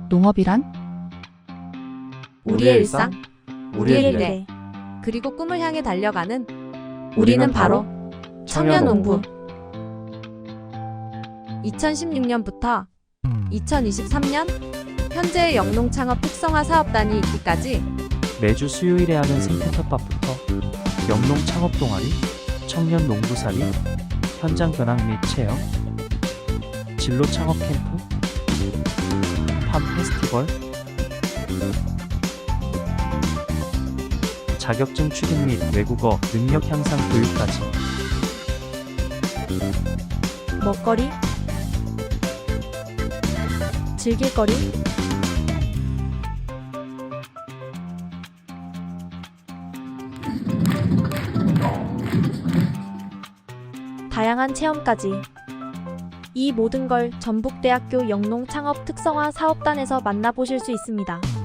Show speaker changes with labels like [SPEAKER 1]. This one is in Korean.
[SPEAKER 1] 농업이란?
[SPEAKER 2] 우리의 일상,
[SPEAKER 3] 우리의
[SPEAKER 2] 미래, 그리고 꿈을 향해 달려가는
[SPEAKER 3] 우리는 바로
[SPEAKER 2] 청년농부. 2016년부터 2023년 현재의 영농 창업 특성화 사업단이 있기까지
[SPEAKER 4] 매주 수요일에 하는 생태텃밭부터 영농 창업 동아리, 청년 농부살이, 현장 견학 및 체험, 진로 창업 캠프, 팜 페스티벌, 자격증 취득 및 외국어 능력 향상 교육까지
[SPEAKER 2] 먹거리, 즐길거리, 다양한 체험까지 이 모든 걸 전북대학교 영농 창업 특성화 사업단에서 만나보실 수 있습니다.